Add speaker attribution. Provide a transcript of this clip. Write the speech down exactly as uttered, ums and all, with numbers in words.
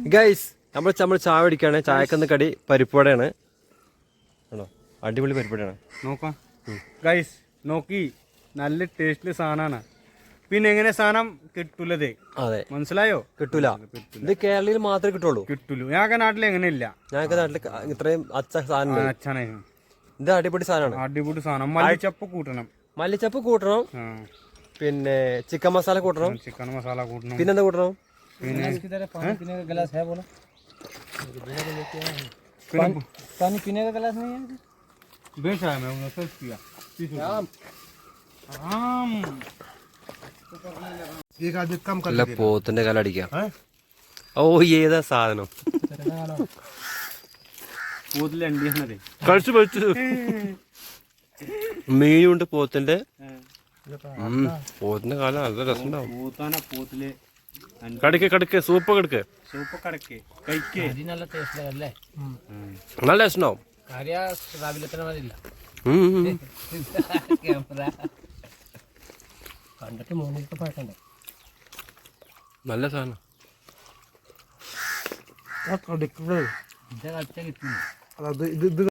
Speaker 1: Guys നമ്മൾ നമ്മൾ ചായ കുടിക്കുകയാണ്. ചായക്കുന്ന കടി പരിപ്പുവടയാണ്. ആണോ? അടിപൊളി പരിപ്പുവടയാണ്.
Speaker 2: നോക്കാം ഗൈസ്, നോക്കി നല്ല ടേസ്റ്റില് സാധനമാണ്. പിന്നെ എങ്ങനെ സാധനം കിട്ടൂലതേ? അതെ, മനസ്സിലായോ? കിട്ടൂല. ഇത് കേരളയിൽ മാത്രമേ കിട്ടുള്ളൂ. കിട്ടൂലൂ. ഞങ്ങൾക്ക് നാട്ടിൽ എങ്ങനെയില്ല. ഞങ്ങൾക്ക് നാട്ടിൽ ഇത്രയും അച്ച സാധനം അച്ഛനെ. ഇത് അടിപൊളി സാധനമാണ്. അടിപൊളി സാധനം. മല്ലിച്ചപ്പ് കൂട്ടണം. മല്ലിച്ചപ്പ് കൂട്ടണം. പിന്നെ ചിക്കൻ മസാല കൂട്ടണം. ചിക്കൻ മസാല കൂട്ടണം. പിന്നെന്താ കൂട്ടണം? പിന്നെ पानी पीने का गिलास नहीं है? बेच रहा है मैं उन्हें सर्च किया। एक आदमी कम कर ले പോത്തിന്റെ കാല അടിക്കാം. ഓ ഏതാ സാധനം? പോത്തിലെ അണ്ടിയാണത്. കഴിച്ചു കഴിച്ചു. മീനുണ്ട് പോത്തിന്റെ. പോത്തിന്റെ കാല നല്ല രസമുണ്ടാവും. പോത്താന പോത്തിലെ കടിക്ക് കടിക്ക് സൂപ്പ് കടിക്ക് സൂപ്പ് കടക്ക് കഴിക്ക്. നല്ല ടേസ്റ്റ് അല്ലേ? നല്ല ടേസ്റ്റ് ഉണ്ടാവും. കണ്ടിട്ട് മൂന്നിട്ട് പാട്ടണ്ടേ? നല്ല സാധനം.